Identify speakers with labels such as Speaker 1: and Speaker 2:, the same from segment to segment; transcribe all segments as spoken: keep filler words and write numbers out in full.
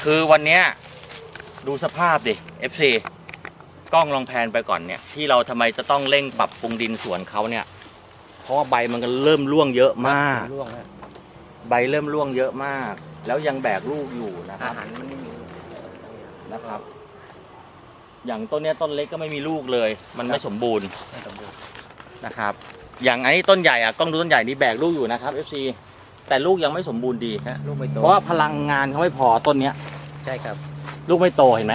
Speaker 1: คือวันเนี้ยดูสภาพดิ เอฟ ซี กล้องลองแพนไปก่อนเนี่ยที่เราทำไมจะต้องเร่งปรับปรุงดินสวนเขาเนี่ยเพราะว่าใบมันก็เริ่มร่วงเยอะมากใบเริ่มร่วงเยอะมากแล้วยังแบกลูกอยู่นะครับอาหารมันไม่มีนะครับอย่างต้นเนี้ยต้นเล็กก็ไม่มีลูกเลยมันไม่สมบูรณ์นะครับอย่างไอ้ต้นใหญ่อะกล้องดูต้นใหญ่นี่แบกลูกอยู่นะครับ เอฟ ซี แต่ลูกยังไม่สมบูรณ์ดีฮะลูกไม่โตเพราะว่าพลังงานเขาไม่พอต้นเนี้ยใช่ครับลูกไม่โตเห็นไหม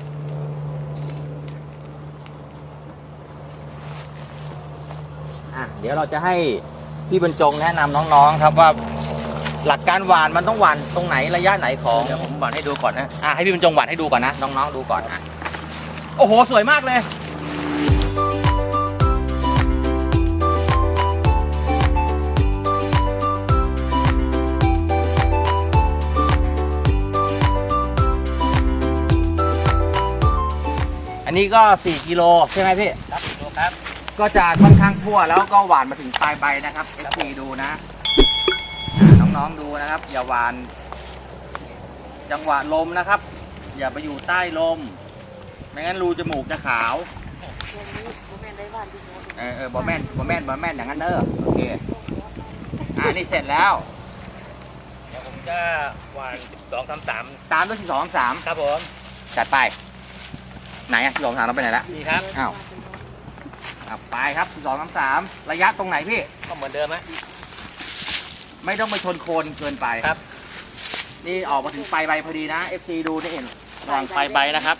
Speaker 1: อ่ะเดี๋ยวเราจะให้พี่บรรจงแนะนำน้องๆครับว่าหลักการหว่านมันต้องหว่านตรงไหนระยะไหนของเดี๋ยวผมหว่านให้ดูก่อนนะอ่ะให้พี่บรรจงหว่านให้ดูก่อนนะน้องๆดูก่อนอ่ะโอ้โหสวยมากเลยอันนี้ก็สี่กิโลใช่ไหมพี่ครับกิโลครับก็จะค่อนข้างทั่วแล้วก็หวานมาถึงปลายใบนะครับเอฟซีดูนะน้องๆดูนะครับอย่าหวานจังหวะลมนะครับอย่าไปอยู่ใต้ลมไม่งั้นรูจมูกจะขาวเออเออบอแม่นบอแม่นบอแม่นอย่างนั้นเด้อโอเคอ่านี่เสร็จแล้ว
Speaker 2: เดี๋ยวผมจะหวานสิบสองสามสาม
Speaker 1: ตามด้วยสิบสองสาม
Speaker 2: ครับผม
Speaker 1: จัดไปไหนอ่ะสิบสองสามเราไปไหนละ
Speaker 2: นี่ครับ
Speaker 1: อ้าวอ่ะไปครับสิบสองสามสามระยะตรงไหนพี่
Speaker 2: ก็เหมือนเดิมฮะ
Speaker 1: ไม่ต้องไปชนโคนเกินไป
Speaker 2: ครับ
Speaker 1: นี่ออกมาถึงปลายใบพอดีนะ เอฟ ซี ดูนี่เห็น
Speaker 2: วางปลายใบนะครับ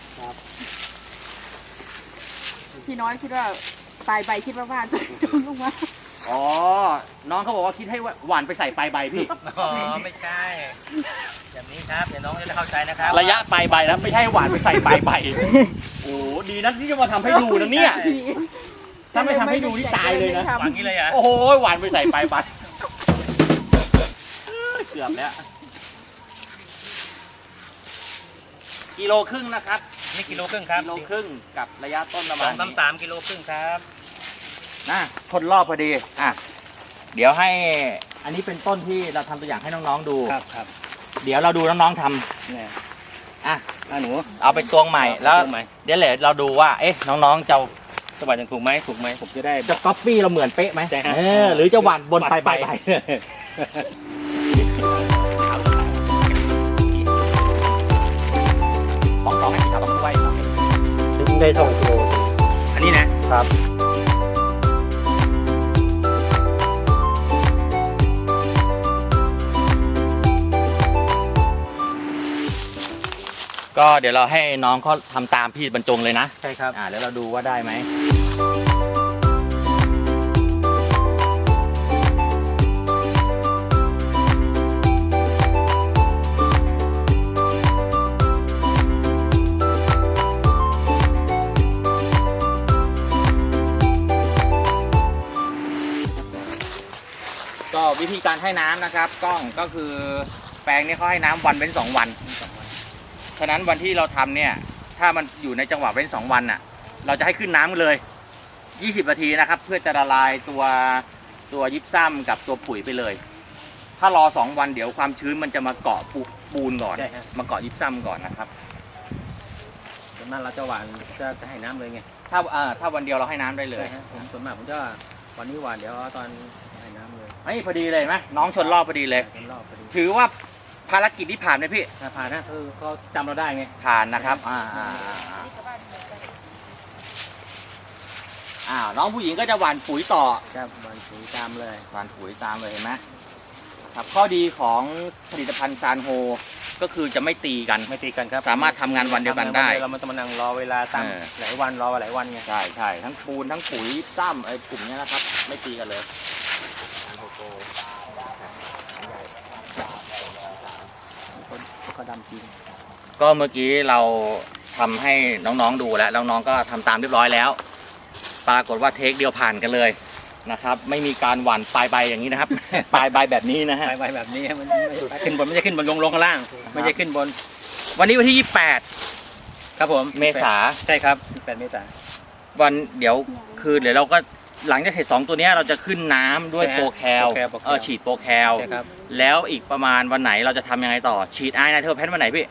Speaker 3: พี่น้อยคิดว่าปลายใบคิดว่าว่าลูกว่า
Speaker 1: อ๋อน้องเขาบอกว่าคิดให้หวานไปใส่ปลายใบพี่
Speaker 2: อ๋อไม่ใช่แบบนี้ครับเดี๋ยวน้องจะได้เข้าใจนะครับ
Speaker 1: ระยะปลายใบแล้วไม่ใช่หวานไปใส่ปลายใบโอ้ดีนะที่จะมาทำให้ดูนะเนี่ยถ้าไม่ทำให้ดูนี่ตายเลยนะ
Speaker 2: หวานนี้เลยอ่ะ
Speaker 1: โอ้โหหวานไปใส่ปลายใบเกือบแล้วกิโลครึ่งนะครับ
Speaker 2: นี่กิโลครึ่งครับ
Speaker 1: กิโลครึ่งกับระยะต้นประมาณ
Speaker 2: สองสามสามกิโลครึ่งครับ
Speaker 1: นะคนรอบพอดีอ่ะเดี๋ยวให้อันนี้เป็นต้นที่เราทำตัวอย่างให้น้องๆดู
Speaker 2: ครับครับ
Speaker 1: เดี๋ยวเราดูน้องๆทำ
Speaker 2: เนี่ย
Speaker 1: อ่ะ
Speaker 2: หนู
Speaker 1: เอาไปตวงใหม่แล้วเดี๋ยวเราดูว่าเอ๊ะน้องๆจะ
Speaker 2: จะหวานถูกไหมถูกไหมผมจะได้
Speaker 1: จะก๊อปปี้เราเหมือนเป๊ะไหมเออหรือจะหวานบนปลายใบสองสองให้ขาวต้องไว้
Speaker 2: ถึงได้สองกิโล
Speaker 1: อันนี้นะครับก็เดี๋ยวเราให้น้องเขาทำตามพี่บรรจงเลยนะ
Speaker 2: ใช่ครับ
Speaker 1: อ่าแล้วเราดูว่าได้ไหมก็วิธีการให้น้ำนะครับกล้องก็คือแปลงนี้เขาให้น้ำวันเว้นสองวันฉะนั้นวันที่เราทำเนี่ยถ้ามันอยู่ในจังหวะเว้นสองวันน่ะเราจะให้ขึ้นน้ำเลยยี่สิบนาทีนะครับเพื่อจะละลายตัวตัวยิบซ้ำกับตัวปุ๋ยไปเลยถ้ารอสองวันเดี๋ยวความชื้นมันจะมาเกาะปูนก่อนมาเกาะยิบซ้ำก่อนนะครับ
Speaker 2: ส่วนมากเราจะหวานจะจะให้น้ำเลยไง
Speaker 1: ถ้าเอ่อถ้าวันเดียวเราให้น้ำได้เลย
Speaker 2: ผมส่วนมากผมจะวันนี้หวานเดี๋ยวตอนให้น้ำเลย
Speaker 1: ไอ้พอดีเลยไหมน้องชนรอบพอดีเลย
Speaker 2: ชนรอบพอดี
Speaker 1: ถือว่าภารกิจที่ผ่านไหมพี่
Speaker 2: ผ่านนะคือเขาจำเราได้ไง
Speaker 1: ผ่านนะครับอ่าอ่าอ่าน้องผู้หญิงก็จะหว่านปุ๋ยต่อ
Speaker 2: ครับหว่านปุ๋ยตามเลย
Speaker 1: หว่านปุ๋ยตามเลยเห็นไหมครับข้อดีของผลิตภัณฑ์ซานโฮก็คือจะไม่ตีกัน
Speaker 2: ไม่ตีกันครับ
Speaker 1: สามารถทำงานวันเดียวกันได้
Speaker 2: เราไม่ต้องมานั่งรอเวลาตั้งหลายวันรอหลายวันไง
Speaker 1: ใช่ใช่ทั้งปูนทั้งปุ๋ยซ้ำไอ้กลุ่มนี้นะครับไม่ตีกันเลย
Speaker 2: ก็ดำจริง
Speaker 1: ก็เมื่อกี้เราทำให้น้องๆดูแล้วน้องๆก็ทำตามเรียบร้อยแล้วปรากฏว่าเทคเดียวผ่านกันเลยนะครับไม่มีการหว่านปลายใบอย่างนี้นะครับปลายใบแบบนี้นะฮะ
Speaker 2: ปลายใบแบบนี้มันขึ้นบนไม่ใช่ขึ้นบนลงลงข้างล่างไม่ใช่ขึ้นบน
Speaker 1: วันนี้วันที่ยี่สิบแปด
Speaker 2: ครับผม
Speaker 1: เมษา
Speaker 2: ใช่ครับยี่สิบแปดเมษา
Speaker 1: วันเดี๋ยวคืนเดี๋ยวเราก็หลังจากเสร็จสองตัวนี้เราจะขึ้นน้ำด้วยโปรแคลเออฉีดโปรแคลแล้วอีกประมาณวันไหนเราจะทำยังไงต่อฉีดไอไนเทอร์แพนวันไหนพี่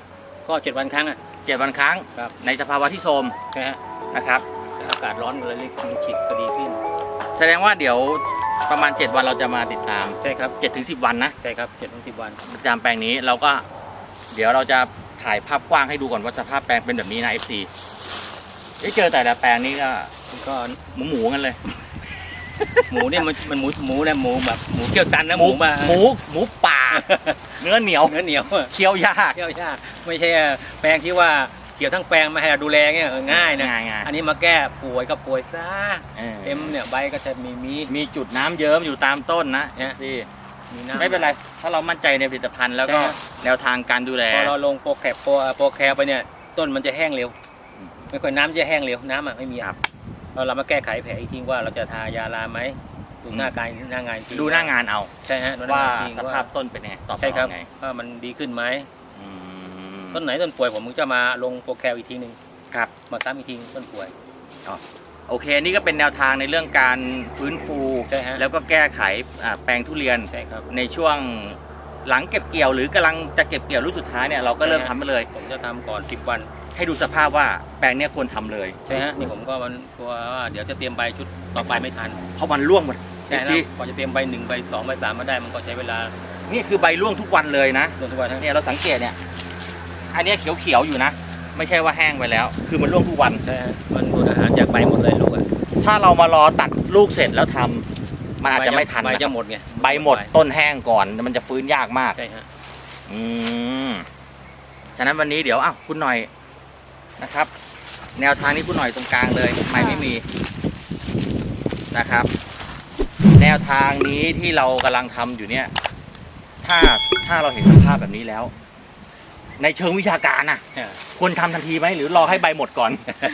Speaker 2: ก็เจ็ดวันครั้งอ่ะ
Speaker 1: เจ็ดวันครั้ง
Speaker 2: ครับ
Speaker 1: ในสภาวะที่โทรม
Speaker 2: ใช่ฮะ
Speaker 1: นะครับ
Speaker 2: อากาศร้อนเลยรีบฉีดก็ดีขึ้น
Speaker 1: แสดงว่าเดี๋ยวประมาณเจ็ดวันเราจะมาติดตาม
Speaker 2: ใช่ครับ
Speaker 1: เจ็ดถึงสิบวันนะ
Speaker 2: ใช่ครับเจ็ดถึงสิบวัน
Speaker 1: ติดตามแปลงนี้เราก็เดี๋ยวเราจะถ่ายภาพกว้างให้ดูก่อนว่าสภาพแปลงเป็นแบบนี้นะ เอฟ ซี ได้เจอแต่ละแปลงนี้ก็
Speaker 2: ก็
Speaker 1: หมูหมูๆกันเลย
Speaker 2: หมูเนี่ยมันมันหมูหมูนะหมูแบบหมูเกี่ยวตันนะหมูมา
Speaker 1: หมูหมูป่า เนื้อเหนียว
Speaker 2: เนื้อเหนียว
Speaker 1: เคี้ยวยาก
Speaker 2: เกี่ยวยากไม่ใช่แปลงที่ว่าเกี่ยวทั้งแปลงมาให้เราดูแลเงี้ยเออง่ายนะ
Speaker 1: ง่ายๆ
Speaker 2: อันนี้มาแก้ป่วยก็ป่วยซะ
Speaker 1: เออ
Speaker 2: เอ็มเนี่ยใบก็จะมีมี
Speaker 1: มีจุดน้ำเยิ้มอยู่ตามต้นนะ
Speaker 2: เนี่ย
Speaker 1: ที่
Speaker 2: มีน้ำ
Speaker 1: ไม่เป็นไร ถ้าเรามั่นใจในผลิตภัณฑ์แล้วก็
Speaker 2: ใช่ครับ
Speaker 1: แนวทางการดูแล
Speaker 2: พอเราลงโปรแคปโปรโปรแคปไปเนี่ยต้นมันจะแห้งเร็ว
Speaker 1: อืม
Speaker 2: ไม่ค่อยน้ำจะแห้งเร็วน้ำอ่ะไม่มี
Speaker 1: ครับ
Speaker 2: เราเรามาแก้ไขแผลอีกทีว่าเราจะทายาลาไหมดูหน้าการหน้างานอีกที
Speaker 1: ดูหน้างานเอา
Speaker 2: ใช่ฮะดูหน้
Speaker 1: ว่า
Speaker 2: งนอีกที
Speaker 1: สภาพต้นเป็นยังไงตอบ
Speaker 2: ใช่ครับ
Speaker 1: ไง
Speaker 2: ว่ามันดีขึ้นไหม
Speaker 1: อืม
Speaker 2: ต้นไหนต้นป่วยผมก็จะมาลงโปรแคปอีกทีหนึ่ง
Speaker 1: ครับ
Speaker 2: มาซ้ำอีกทีต้นป่วย
Speaker 1: โอเค นี่ก็เป็นแนวทางในเรื่องการฟื้นฟู
Speaker 2: ใช่ฮะ
Speaker 1: แล้วก็แก้ไขอ่าแปลงทุเรียน
Speaker 2: ใช่ครับ
Speaker 1: ในช่วงหลังเก็บเกี่ยวหรือกำลังจะเก็บเกี่ยวรุ่นสุดท้ายเนี่ยเราก็เริ่มทำไปเลย
Speaker 2: ผมจะทำก่อนสิบวัน
Speaker 1: ให้ดูสภาพว่าแปลงเนี้ยควรทำเลย
Speaker 2: ใช่ฮะนี่ผมก็มันกลัวว่าเดี๋ยวจะเตรียมใบชุดต่อไปไม่ทัน
Speaker 1: เพราะมันร่วงหมด
Speaker 2: ใช่
Speaker 1: จ
Speaker 2: แล้
Speaker 1: ริ
Speaker 2: ว
Speaker 1: ง
Speaker 2: พอจะเตรียมใบหนึ่งใบสองใบสามมาได้มันก็ใช้เวลา
Speaker 1: ๆนี่คือใบร่วงทุกวันเลยนะ
Speaker 2: จนทุกวันทั้ง
Speaker 1: เนี่ยเราสังเกตเนี่ย อันเนี้ยเขียวๆอยู่นะ ไม่ใช่ว่าแห้งไปแล้ว คือมันร่วงทุกวัน
Speaker 2: ใช่ฮะมันดูดอาหารจากใบหมดเลยลูกอ่ะ
Speaker 1: ถ้าเรามารอตัดลูกเสร็จแล้วทำมันอาจจะไม่ทัน
Speaker 2: ใบ
Speaker 1: นะ
Speaker 2: จะหมดไง
Speaker 1: ใบหมดต้นแห้งก่อนมันจะฟื้นยากมาก
Speaker 2: ใช่ฮะ
Speaker 1: อืมฉะนั้นวันนี้เดี๋ยวอ้าวคุณหน่อยนะครับ แนวทางนี้คุณหน่อยตรงกลางเลยไม่ไม่มีนะครับ แนวทางนี้ที่เรากำลังทำอยู่เนี่ย ถ้าถ้าเราเห็นสภาพแบบนี้แล้ว ในเชิงวิชาการน่ะ ควรทำทันทีไหมหรือรอให้ใบหมดก่อน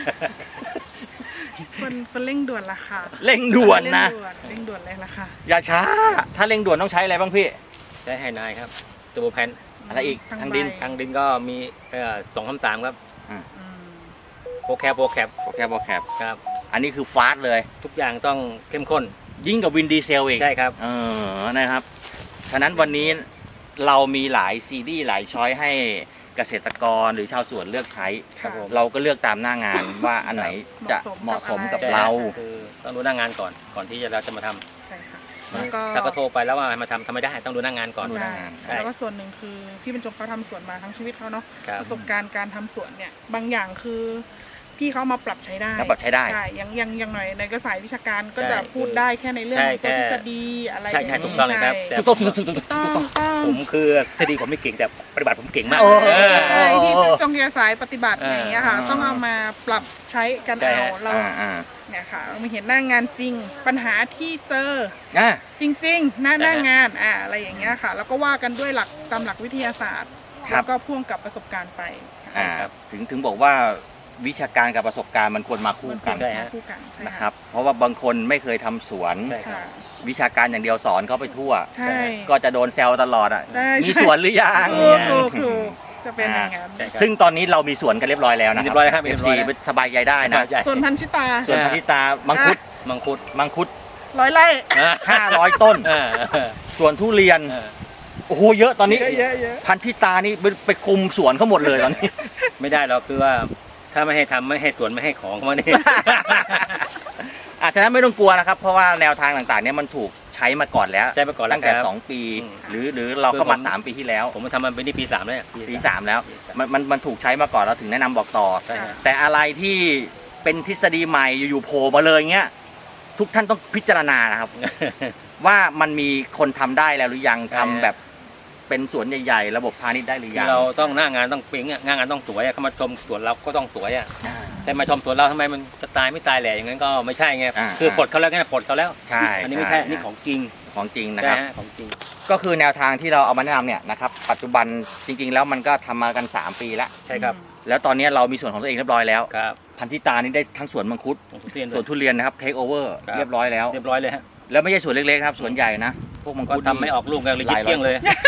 Speaker 3: มันมันเร่งด่วนละค่ะ
Speaker 1: เร่งด่วนนะ
Speaker 3: เร่งด่วนเร่งด่วนเลยละค่ะ
Speaker 1: อย่าช้า ถ้าเร่งด่วนต้องใช้อะไรบ้างพี่
Speaker 2: ใช้ไฮนายครับตัวแพน
Speaker 1: อะไรอีก
Speaker 3: ทั้
Speaker 1: ทางดิน
Speaker 3: ใบ
Speaker 2: ทางดินก็มีเอ่อสองคำสามครับ
Speaker 3: อืม
Speaker 2: โปรแคปโปรแคป
Speaker 1: โอเคโอเค
Speaker 2: ครับ
Speaker 1: อันนี้คือฟาสต์เลย
Speaker 2: ทุกอย่างต้องเข้มข้น
Speaker 1: ยิ่งกับวินดีเซลอีก
Speaker 2: ใช่ครับ
Speaker 1: เออ นะครับ ฉะนั้นวันนี้เรามีหลายซีรีส์หลายช้อยให้เกษตรกรหรือชาวสวนเลือกใช้
Speaker 2: ครับผม
Speaker 1: เราก็เลือกตามหน้างานว่าอันไหนจะเหมาะสมกับ
Speaker 2: ใช่
Speaker 1: เรา
Speaker 2: คือต้องดูหน้างานก่อนก่อนที่จะเราจะมาทำ
Speaker 3: ใช่ค่ะแล้วก็
Speaker 2: ถ้าก็โทรไปแล้วว่ามาทำทำไม่ได้ต้องดูหน้างานก่อน
Speaker 1: ดูห
Speaker 3: ใช่
Speaker 1: น้างาน
Speaker 3: แล้วก็ส่วนหนึ่งคือพี่บรรจงเขาทำสวนมาทั้งชีวิตเขาเนาะ
Speaker 2: ครับ
Speaker 3: ประสบการณ์การทำสวนเนี่ยบางอย่างคือพี่เขามาปรับใช้ได้
Speaker 1: แล้วปรับใช้ได้
Speaker 3: ใช่ยังยังยังหน่อยในกระสายวิชาการก็จะ
Speaker 2: ใช่
Speaker 3: พูดได้แค่ในเรื่อง
Speaker 2: ใช่
Speaker 3: ของตัว
Speaker 2: แค่
Speaker 3: ทฤษฎีอะไร
Speaker 2: ใช่ใช่ถูกต้องเลยครับแต่
Speaker 1: ถูกต้องถูกต้องถูกต้อง
Speaker 3: ต้องต้อง
Speaker 2: ผมคือทฤษฎีผมไม่เก่งแต่ปฏิบัติผมเก่งมาก
Speaker 1: โอ้
Speaker 2: เออ
Speaker 3: ใช่ที่จงเกียร์สายปฏิบัติ
Speaker 2: เออ
Speaker 3: อย่างเงี้ยค่ะ ต้องเอามาปรับใช้กัน
Speaker 2: ใช่
Speaker 3: เอา
Speaker 2: ฮะ
Speaker 3: เรา
Speaker 1: อ่าอ่า
Speaker 3: เนี่ยค่ะเรามาเห็นหน้างานจริง ปัญหาที่เจอ
Speaker 1: อ่า
Speaker 3: จริง ๆ หน้า
Speaker 2: ใช่ฮะ
Speaker 3: หน้างานอ่าอะไรอย่างเงี้ยค่ะ แล้วก็ว่ากันด้วยหลักตามหลักวิทยาศาสตร์
Speaker 1: ครับ
Speaker 3: แล้วก็พ่วงกับประสบการณ์ไปค่ะ
Speaker 1: อ่าถึงถึงบอกว่าวิชาการกับประสบการณ์มันควรมาคู่กัน
Speaker 2: ใช่ฮะ
Speaker 3: คู่กันใช่
Speaker 1: นะครับ เพราะว่าบางคนไม่เคยทำสวน
Speaker 2: ใช่ครับ
Speaker 3: ค่ะ
Speaker 1: วิชาการอย่างเดียวสอนเขาไปทั่ว
Speaker 3: ใช่
Speaker 1: ก็จะโดนแซวตลอดอ่ะ
Speaker 3: ได้
Speaker 1: มีสวนหรือยัง
Speaker 3: ถูกถูกถูกจะเป็นอย่างนั้น
Speaker 2: ใช่ครับ
Speaker 1: ซึ่งตอนนี้เรามีสวนกันเรียบร้อยแล้วนะค
Speaker 2: เรี
Speaker 1: รั
Speaker 2: ยบร้อยแล้วครับ
Speaker 1: เอ
Speaker 2: เรี
Speaker 1: ฟ
Speaker 2: ยบร้
Speaker 1: ซี
Speaker 2: อยแล้ว
Speaker 1: สบายใจได้นะ
Speaker 2: ใช่
Speaker 3: ส่วนพันชิตา
Speaker 1: ส่วนพันธิตามังคุด
Speaker 2: มังคุด
Speaker 1: มังคุด
Speaker 3: ร้อยไร่
Speaker 1: ห้าร้อยต้น
Speaker 2: เออ
Speaker 1: ส่วนทุเรียน
Speaker 2: เออ
Speaker 1: โอ้โหเยอะตอนนี้
Speaker 3: เยอะเยอะเยอะ
Speaker 1: พันธิตานี่ไปไปคุมสวนเขาหมดเลยตอนนี้
Speaker 2: ไม่ได้เราคือว่าถ้าไม่ให้ทำไม่ให้สวนไม่ให้ของมาเนี่ย
Speaker 1: อาจจะนั้นไม่ต้องกลัวนะครับ เพราะว่าแนวทางต่างๆเนี่ยมันถูกใช้มาก่อนแล้ว
Speaker 2: ใช้มาก่อนแล้ว
Speaker 1: ตั้งแต่
Speaker 2: ครับ
Speaker 1: สองปี
Speaker 2: อืม
Speaker 1: หรือหรือเราเข้ามา
Speaker 2: คือผม
Speaker 1: สามปีที่แล้ว
Speaker 2: ผมมาทำมันเป็นที่ปีสามแล้วเนี่ย
Speaker 1: ปีสามแล้วมันมันมันถูกใช้มาก่อนเราถึงแนะนำบอกต่อ
Speaker 2: ใช่ฮะ
Speaker 1: แต่อะไรที่เป็นทฤษฎีใหม่อยู่ๆโผล่มาเลยเงี้ยทุกท่านต้องพิจารณานะครับ ว่ามันมีคนทำได้แล้วหรือยัง
Speaker 2: ใช่
Speaker 1: ทำ
Speaker 2: ฮะ
Speaker 1: แบบเป็นสวนใหญ่ๆ ระบบพาณิชย์ได้หรือ
Speaker 2: คื
Speaker 1: ยั
Speaker 2: อง เราต้องหน้างานต้องเป๊งอะหน้างานต้องสวยอะเขามาชมสวนเราก็ต้องสวยอะ
Speaker 1: อ่า
Speaker 2: แต่มาชมสวนเราทำไมมันจะตายไม่ตายแหล่อย่างนั้นก็ไม่ใช่ไง
Speaker 1: อ่า
Speaker 2: คือปลดเขาแล้วไงปลดเขาแล้ว
Speaker 1: ใช่
Speaker 2: อันนี้ไม่ใช่อันนี้ของจริง
Speaker 1: ของจริงนะ
Speaker 2: ใช่
Speaker 1: ครับ
Speaker 2: ฮะของจริง
Speaker 1: ก็คือแนวทางที่เราเอามาแนะนำเนี่ยนะครับปัจจุบันจริงๆแล้วมันก็ทำมากันสามปีแล้ว
Speaker 2: ใช่ครับ
Speaker 1: แล้วตอนนี้เรามีส่วนของตัวเองเรียบร้อยแล้ว
Speaker 2: ครับ
Speaker 1: พันธิตานี่ได้ทั้งสวนมังคุด
Speaker 2: ของทุเรียน
Speaker 1: สวนทุเรียนนะครับเทคโอเวอร์
Speaker 2: ครับ
Speaker 1: เรียบร้อยแล้ว
Speaker 2: เรียบร้อยเลยฮะ
Speaker 1: แล้วไม่ใช่สวนเล็กๆนะครับสวนใหญ่นะพวกมัง
Speaker 2: ก็
Speaker 1: คุด
Speaker 2: ทำไม่ออกลูกกันเลย
Speaker 1: ห
Speaker 2: ยิ
Speaker 1: ลา
Speaker 2: บ
Speaker 1: ยร้อย
Speaker 2: เที่ยงเลย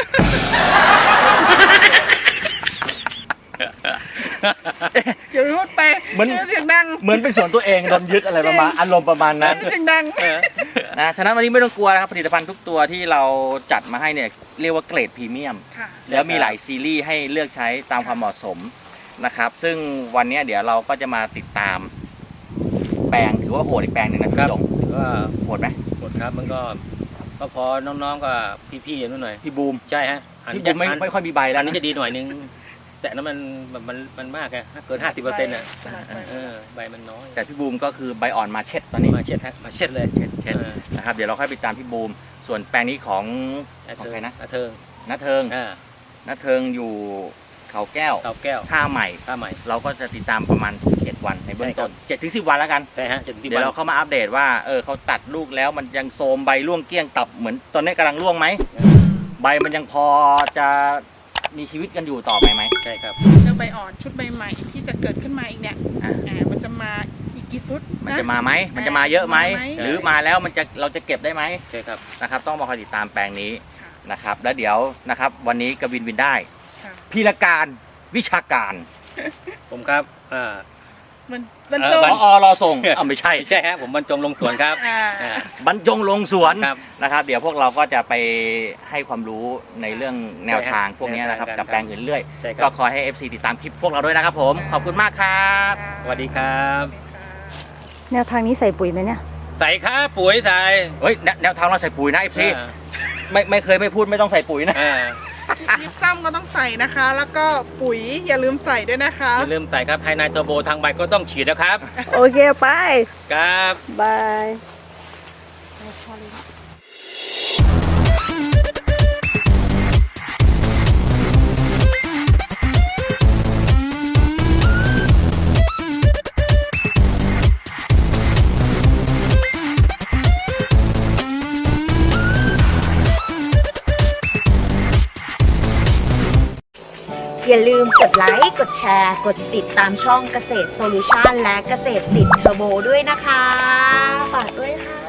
Speaker 3: เดี๋ยวพูดไป
Speaker 1: เหมือน
Speaker 3: เสียงดัง
Speaker 1: เหมือนเป็นสวนตัวเองโดนยึดอะไรประมาณอารมณ์ประมาณนั้น
Speaker 3: เสียงดัง
Speaker 2: เออ
Speaker 1: นะฉะนั้นวันนี้ไม่ต้องกลัวนะครับผลิตภัณฑ์ทุกตัวที่เราจัดมาให้เนี่ยเรียกว่าเกรดพรีเมียม
Speaker 3: ค่ะ
Speaker 1: แล้วมีหลายซีรีส์ให้เลือกใช้ตามความเหมาะสมนะครับ ซึ่งวันนี้เดี๋ยวเราก็จะมาติดตาม แปลงถือว่าโหดอีกแปลงหนึ่งนะ
Speaker 2: ครั
Speaker 1: พี่
Speaker 2: บ
Speaker 1: หยง
Speaker 2: ถือว่า
Speaker 1: โหดไหม
Speaker 2: หมดครับมันก็ก็พอน้องๆก็พี่ๆอย่างนู้นหน่อย
Speaker 1: พี่บูม
Speaker 2: ใช่ฮะอัน
Speaker 1: พี่
Speaker 2: นี้
Speaker 1: บูมไม่
Speaker 2: อัน
Speaker 1: ไม่ค่อยมีใบแล้
Speaker 2: อั
Speaker 1: วน
Speaker 2: นี้
Speaker 1: นะ
Speaker 2: จะดีหน่อยนึง แต่นั้นมันมันมันมันมากไงเกินห้าสิบเปอร์เซ็นต์อ่ะ
Speaker 3: สลัดไป
Speaker 2: เออใบมันน้อย
Speaker 1: แต่พี่บูมก็คือใบอ่อนมาเช็ดตอนนี้
Speaker 2: มาเช็ดฮะมาเช็ดเลย
Speaker 1: เช็ดเช็ด
Speaker 2: เออ
Speaker 1: นะครับเดี๋ยวเราค่อยไปตามพี่บูมส่วนแปลงนี้ของ ของใครนะ
Speaker 2: อาเทิง
Speaker 1: นัทเทิง
Speaker 2: อ่า
Speaker 1: นัทเทิงอยู่เขาแก้ว
Speaker 2: เตาแก้ว
Speaker 1: ท่าใหม่
Speaker 2: ข้าใหม่
Speaker 1: เราก็จะติดตามประมาณเจ็ดวันในเบื้องต้น
Speaker 2: ใช่ครับ
Speaker 1: เจ็ดถึงสิบวันแล้วกัน
Speaker 2: ใช่ฮะจนที่
Speaker 1: เดี๋ยว
Speaker 2: บ้าน
Speaker 1: เราเข้ามาอัปเดตว่าเออเขาตัดลูกแล้วมันยังโทรมใบร่วงเกลี้ยงตับเหมือนตอนนี้กำลังร่วงไหมใบมันยังพอจะมีชีวิตกันอยู่ต่อไปไหม
Speaker 2: ใช่ครับ
Speaker 3: แล้วใบอ่อนชุดใบใหม่ที่จะเกิดขึ้นมาอีกเนี่ย
Speaker 1: อ่ะ
Speaker 3: อ่ามันจะมาอีกกี่ชุด
Speaker 1: มัน
Speaker 3: นะ
Speaker 1: จะมาไหมมันจะมาเยอะไหม
Speaker 3: มาไหม
Speaker 1: หรือมาแล้วมันจะเราจะเก็บได้ไหม
Speaker 2: ใช่ครับ
Speaker 1: นะครับ ต้องมาคอยติดตามแปลงนี้
Speaker 3: ค่ะ
Speaker 1: นะครับ แล้วเดี๋ยวนะครับ วันนี้กวินวินได้
Speaker 3: ค่ะ
Speaker 1: พีรการวิชาการ
Speaker 2: ผมครับอ่า
Speaker 3: มันบรร
Speaker 2: เอ่
Speaker 3: จ
Speaker 2: อ
Speaker 3: ง
Speaker 2: บรร
Speaker 1: พอรอส่งอ้าวไม่ใช่
Speaker 2: ไม่ใช่ฮะผมบรรจงลงสวนครับ
Speaker 3: อ่า
Speaker 2: อ่า
Speaker 1: บรรจงลงสวน
Speaker 2: ครับ
Speaker 1: นะครับ เดี๋ยวพวกเราก็จะไปให้ความรู้ในเรื่องแนวทางพวกนี้นะครับ
Speaker 2: แนวทาง
Speaker 1: กับแปลงอื่นเรื่อย
Speaker 2: ใช่ค
Speaker 1: ก็
Speaker 2: รับ
Speaker 1: ขอให้ เอฟ ซี ติดตามคลิปพวกเราด้วยนะครับผม ขอบคุณมากครับ
Speaker 2: สวัสดีครับ
Speaker 4: แนวทางนี้ใส่ปุ๋ยไหมเนี่ย
Speaker 2: ใส่ค่าปุ๋ยใส่
Speaker 1: เฮ้ยแนแนวทางเราใส่ปุ๋ยนะ เอฟ ซี
Speaker 2: อ่า
Speaker 1: ไม่ไม่เคยไม่พูดไม่ต้องใส่ปุ๋ยนะ
Speaker 2: อ่า
Speaker 3: ยิปซัมก็ต้องใส่นะคะ แล้วก็ปุ๋ยอย่าลืมใส่ด้วยนะคะ
Speaker 2: อย่าลืมใส่ครับไฮไนโตรโบทางใบก็ต้องฉีดนะครับ
Speaker 4: โอเค ไป
Speaker 2: ครับ
Speaker 4: บาย
Speaker 5: อย่าลืมกดไลค์ กดแชร์ กดติดตามช่องเกษตรโซลูชันและเกษตรติดเทอร์โบด้วยนะคะ ฝากด้วยค่ะ